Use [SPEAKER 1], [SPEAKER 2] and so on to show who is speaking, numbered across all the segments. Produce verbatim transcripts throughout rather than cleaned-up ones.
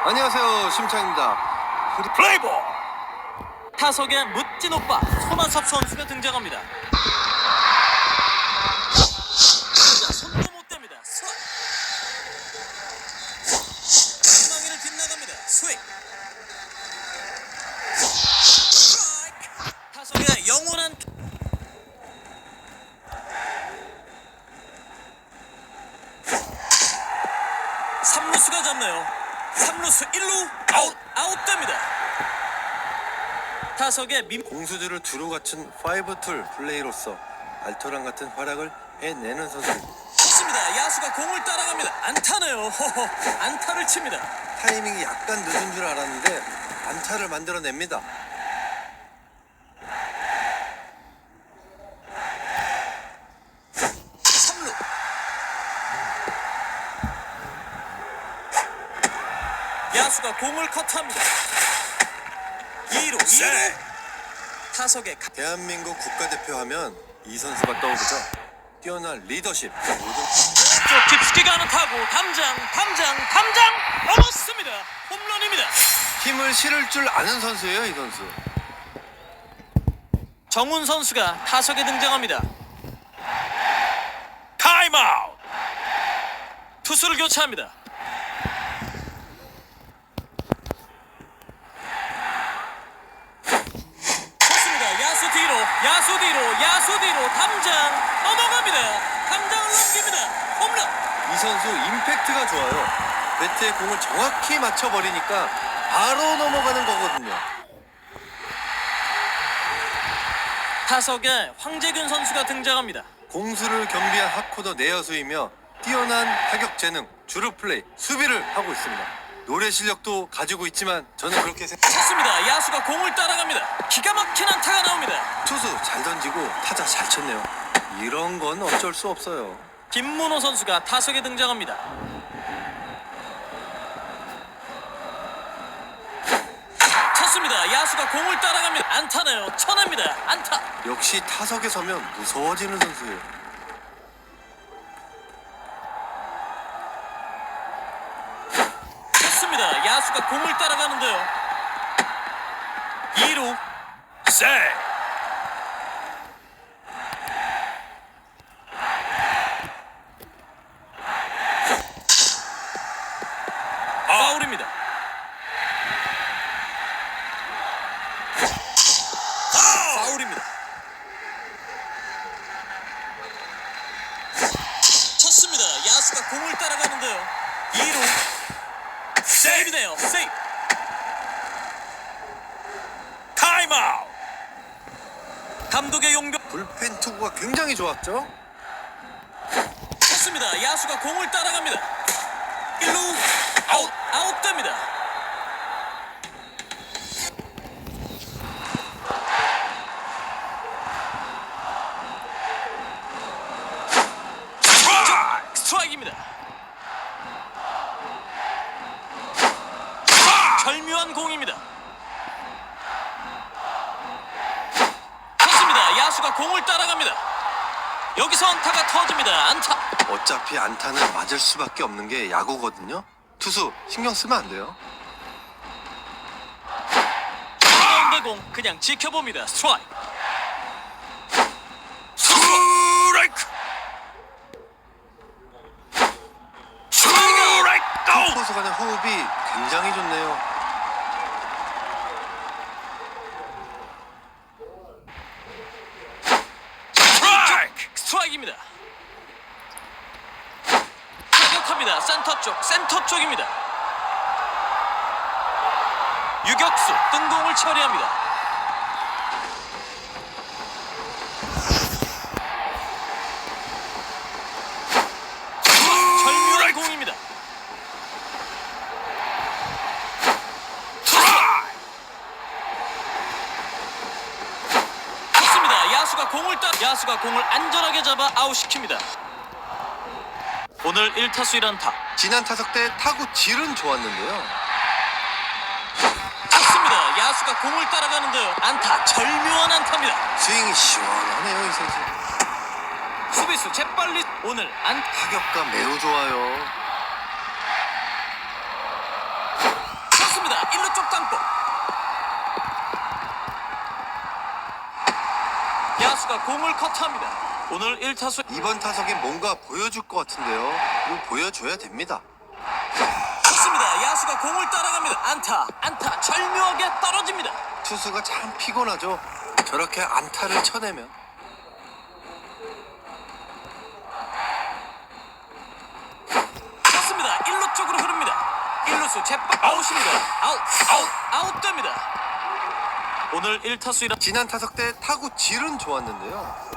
[SPEAKER 1] 안녕하세요, 심창입니다.
[SPEAKER 2] 플레이볼! 타석에 멋진 오빠 손아섭 선수가 등장합니다. 자, 손도 못 댑니다. 스윙. 희망이를 빗나갑니다. 스윙. 스트라이크. 타석에 영원한 삼루수가 잡네요. 삼루수 일 루 아웃 아웃됩니다. 타석에 민
[SPEAKER 1] 공수주를 두루 갖춘 파이브 툴 플레이로서 알토란 같은 활약을 해내는 선수.
[SPEAKER 2] 좋습니다. 야수가 공을 따라갑니다. 안타네요. 허허, 안타를 칩니다.
[SPEAKER 1] 타이밍이 약간 늦은 줄 알았는데 안타를 만들어냅니다.
[SPEAKER 2] 삼 루. 야수가 공을 컷합니다. 이 루, 이 루. 타석에 가...
[SPEAKER 1] 대한민국 국가대표 하면 이 선수가 떠오르죠. 뛰어난 리더십, 모든
[SPEAKER 2] 쪽 깊숙이 가는 타구 담장 담장 담장 넘었습니다. 홈런입니다.
[SPEAKER 1] 힘을 실을 줄 아는 선수예요, 이 선수.
[SPEAKER 2] 정훈 선수가 타석에 등장합니다. 타임아웃. 투수를 교체합니다. 좋습니다. 야수 뒤로 야수 뒤로 야수 뒤로 담장 넘어갑니다. 담장을 넘깁니다. 홈런.
[SPEAKER 1] 이 선수 임팩트가 좋아요. 배트에 공을 정확히 맞춰버리니까 바로 넘어가는 거거든요.
[SPEAKER 2] 타석에 황재균 선수가 등장합니다.
[SPEAKER 1] 공수를 겸비한 핫코더 내야수이며 뛰어난 타격 재능, 주루 플레이, 수비를 하고 있습니다. 노래 실력도 가지고 있지만 저는 그렇게 생각...
[SPEAKER 2] 쳤습니다. 야수가 공을 따라갑니다. 기가 막힌 안타가 나옵니다.
[SPEAKER 1] 투수 잘 던지고 타자 잘 쳤네요. 이런 건 어쩔 수 없어요.
[SPEAKER 2] 김문호 선수가 타석에 등장합니다. 쳤습니다. 야수가 공을 따라갑니다. 안타네요. 쳐냅니다. 안타.
[SPEAKER 1] 역시 타석에 서면 무서워지는 선수예요.
[SPEAKER 2] 쳤습니다. 야수가 공을 따라가는데요. 이 루 세. 파울입니다. 파울입니다. 쳤습니다. 야수가 공을 따라가는데요. 이 루 세이브네요. 세이브. 타임아웃. 감독의 용병.
[SPEAKER 1] 불펜 투구가 굉장히 좋았죠?
[SPEAKER 2] 쳤습니다. 야수가 공을 따라갑니다. 일 루 아웃 아웃됩니다. 스트라이크! 스트라이크입니다. 절묘한 공입니다. 쳤습니다. 야수가 공을 따라갑니다. 여기서 안타가 터집니다. 안타.
[SPEAKER 1] 어차피 안타는 맞을 수밖에 없는 게 야구거든요. 투수 신경 쓰면 안 돼요.
[SPEAKER 2] 가운데 공 그냥 지켜봅니다. 스트라이크.
[SPEAKER 1] 스트라이크!
[SPEAKER 2] 스트라이크.
[SPEAKER 1] 두 포수 간의 호흡이 굉장히 좋네요.
[SPEAKER 2] 스트라이크. 스트라이크입니다. 타격합니다. 센터 쪽, 센터 쪽입니다. 유격수 뜬공을 처리합니다. 절묘한 공입니다. 좋습니다. 야수가 공을 따 야수가 공을 안전하게 잡아 아웃시킵니다. 오늘 일 타수 일 안타.
[SPEAKER 1] 지난 타석 때 타구 질은 좋았는데요.
[SPEAKER 2] 좋습니다. 야수가 공을 따라가는데요. 안타. 절묘한 안타입니다.
[SPEAKER 1] 스윙이 시원하네요, 이 선수.
[SPEAKER 2] 수비수 재빨리 오늘 안
[SPEAKER 1] 타격감 매우 좋아요.
[SPEAKER 2] 야수가 공을 커트합니다. 오늘 일 타수
[SPEAKER 1] 이번 타석에 뭔가 보여줄 것 같은데요. 이거 보여줘야 됩니다.
[SPEAKER 2] 좋습니다. 야수가 공을 따라갑니다. 안타, 안타 절묘하게 떨어집니다.
[SPEAKER 1] 투수가 참 피곤하죠. 저렇게 안타를 쳐내면.
[SPEAKER 2] 좋습니다. 일 루 쪽으로 흐릅니다. 일 루수 재빨 아웃입니다. 아웃, 아웃, 아웃됩니다. 오늘 일 타수 일 안
[SPEAKER 1] 지난 타석 때 타구 질은 좋았는데요.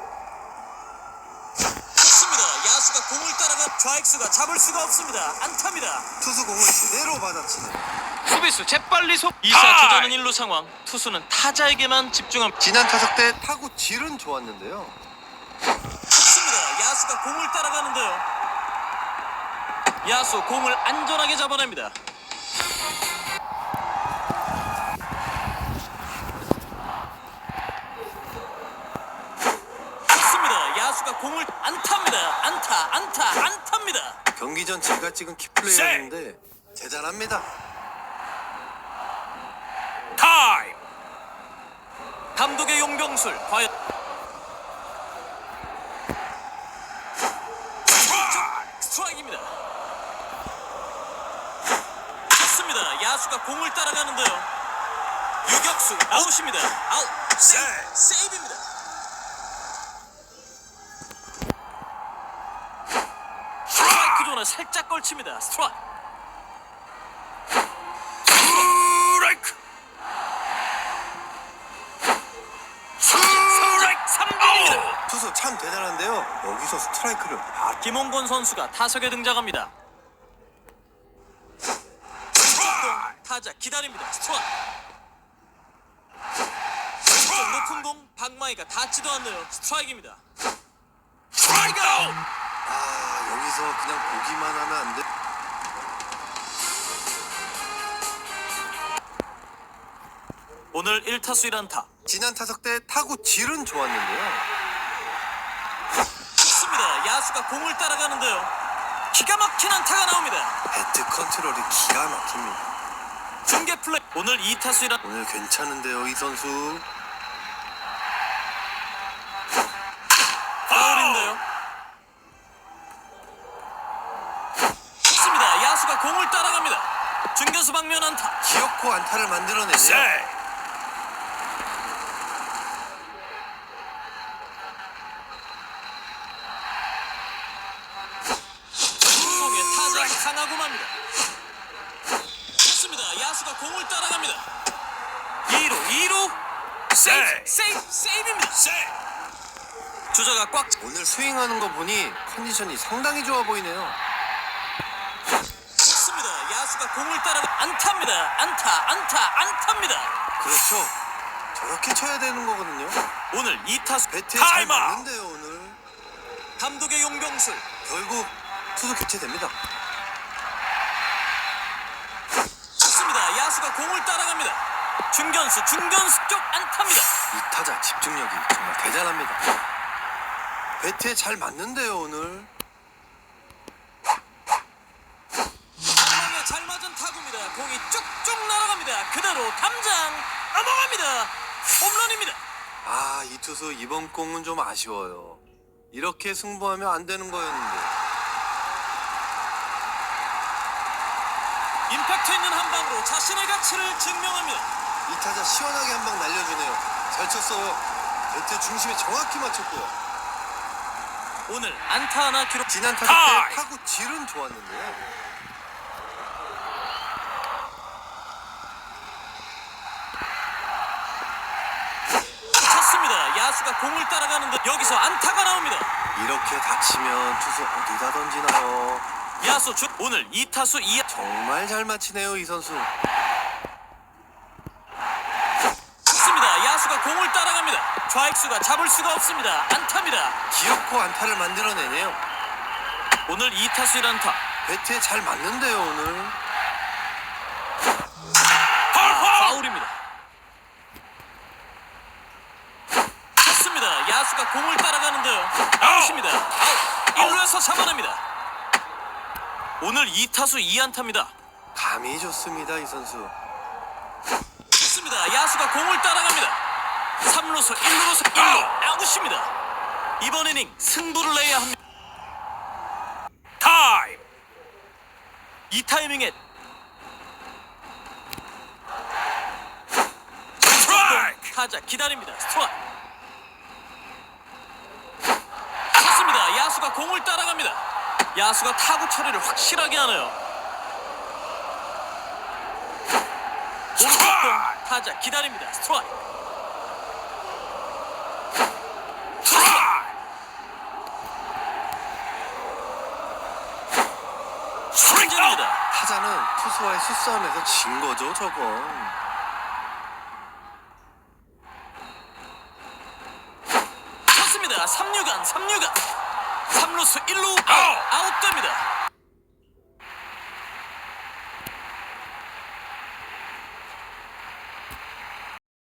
[SPEAKER 2] 좋습니다. 야수가 공을 따라가 좌익수가 잡을 수가 없습니다. 안타입니다.
[SPEAKER 1] 투수 공을 제대로 받아치는.
[SPEAKER 2] 수비수 재빨리 속 이 사 주자는 일 루 상황. 투수는 타자에게만 집중합니다.
[SPEAKER 1] 지난 타석 때 타구 질은 좋았는데요.
[SPEAKER 2] 좋습니다. 야수가 공을 따라가는데요. 야수 공을 안전하게 잡아냅니다. 좋습니다. 야수가 공을 안타입니다. 안타, 안타, 안타입니다.
[SPEAKER 1] 경기 전 제가 찍은 키플레이였는데 대단합니다.
[SPEAKER 2] 타임. 감독의 용병술 과연 스트라이크입니다. 좋습니다. 야수가 공을 따라가는데요. 유격수 아웃입니다. 아웃. 세이브. 세이브입니다. 스트라이크 존에 살짝 걸칩니다. 스트라이크. 스트라이크. 스트라이크 삼 진입니다.
[SPEAKER 1] 투수 참 대단한데요. 여기서 스트라이크를 아,
[SPEAKER 2] 김홍곤 선수가 타석에 등장합니다. 타자 기다립니다. 스트라이크. 왼쪽 높은 공 박마이가 닿지도 않네요. 스트라이크입니다. 스트라이크 아웃.
[SPEAKER 1] 아 여기서 그냥 보기만 하면 안 돼.
[SPEAKER 2] 오늘 일 타수 일 안타.
[SPEAKER 1] 지난 타석 때 타구 질은 좋았는데요.
[SPEAKER 2] 좋습니다. 야수가 공을 따라가는데요. 기가 막힌 안타가 나옵니다.
[SPEAKER 1] 배트 컨트롤이 기가 막힙니다.
[SPEAKER 2] 중계 플레이. 오늘 이 타수 일 안타.
[SPEAKER 1] 오늘 괜찮은데요 이 선수.
[SPEAKER 2] 파울인데요. 좋습니다. 야수가 공을 따라갑니다. 중견수 방면 안타.
[SPEAKER 1] 기어코 안타를 만들어내네요.
[SPEAKER 2] 속에 타자 강하고 맙니다. 좋습니다. 야수가 공을 따라갑니다. 이 루, 이 루. 세이브, 세이브, 세이브입니다. 주자가 꽉.
[SPEAKER 1] 오늘 스윙하는 거 보니 컨디션이 상당히 좋아 보이네요.
[SPEAKER 2] 좋습니다. 야수가 공을 따라가 안타입니다. 안타, 안타, 안타입니다.
[SPEAKER 1] 그렇죠. 저렇게 쳐야 되는 거거든요.
[SPEAKER 2] 오늘 이 타수
[SPEAKER 1] 배트에 잘 맞는데요 오늘.
[SPEAKER 2] 감독의 용병술.
[SPEAKER 1] 결국 투수 교체됩니다.
[SPEAKER 2] 좋습니다. 야수가 공을 따라갑니다. 중견수, 중견수 쪽 안타입니다.
[SPEAKER 1] 이 타자 집중력이 정말 대단합니다. 배트에 잘 맞는데요 오늘.
[SPEAKER 2] 방망이에 잘 맞은 타구입니다. 공이 쭉쭉 날아갑니다. 그대로 담장 넘어갑니다. 홈런입니다.
[SPEAKER 1] 아 이 투수 이번 공은 좀 아쉬워요. 이렇게 승부하면 안 되는 거였는데.
[SPEAKER 2] 임팩트 있는 한 방으로 자신의 가치를 증명합니다.
[SPEAKER 1] 이 타자 시원하게 한 방 날려주네요. 잘 쳤어요. 배트 중심에 정확히 맞췄고요.
[SPEAKER 2] 오늘 안타 하나 기록.
[SPEAKER 1] 지난 타석 때 타구 질은 좋았는데요.
[SPEAKER 2] 쳤습니다. 야수가 공을 따라가는데 여기서 안타가 나옵니다.
[SPEAKER 1] 이렇게 다치면 투수 어디다 던지나요?
[SPEAKER 2] 야수 주 오늘 이 타수 이
[SPEAKER 1] 정말 잘 맞히네요 이 선수.
[SPEAKER 2] 쳤습니다. 야수가 공을 따라갑니다. 좌익수가 잡을 수가 없습니다. 안타입니다.
[SPEAKER 1] 기어코 안타를 만들어내네요.
[SPEAKER 2] 오늘 이 타수 일 안타.
[SPEAKER 1] 배트에 잘 맞는데요 오늘.
[SPEAKER 2] 아, 파울입니다. 쳤습니다. 야수가 공을 따라가는데요. 아웃입니다. 아웃. 일 루에서 잡아냅니다. 오늘 이 타수 이 안타입니다.
[SPEAKER 1] 감이 좋습니다 이 선수.
[SPEAKER 2] 좋습니다. 야수가 공을 따라갑니다. 삼 루수 일 루수 일 루 아웃입니다. 이번 이닝 승부를 내야 합니다. 타임. 이 타이밍에 스트라이크. 타자 기다립니다. 스트라이크. 쳤습니다. 야수가 공을 따라갑니다. 야수가 타구 처리를 확실하게 하네요. 스트라이크. 타자 기다립니다. 스트라이크. 스트라이크입니다.
[SPEAKER 1] 타자는 투수와의 수싸움에서 진 거죠, 저건.
[SPEAKER 2] 쳤습니다. 삼 루간 삼 루간 삼 루수 일 루 아웃. 아웃됩니다.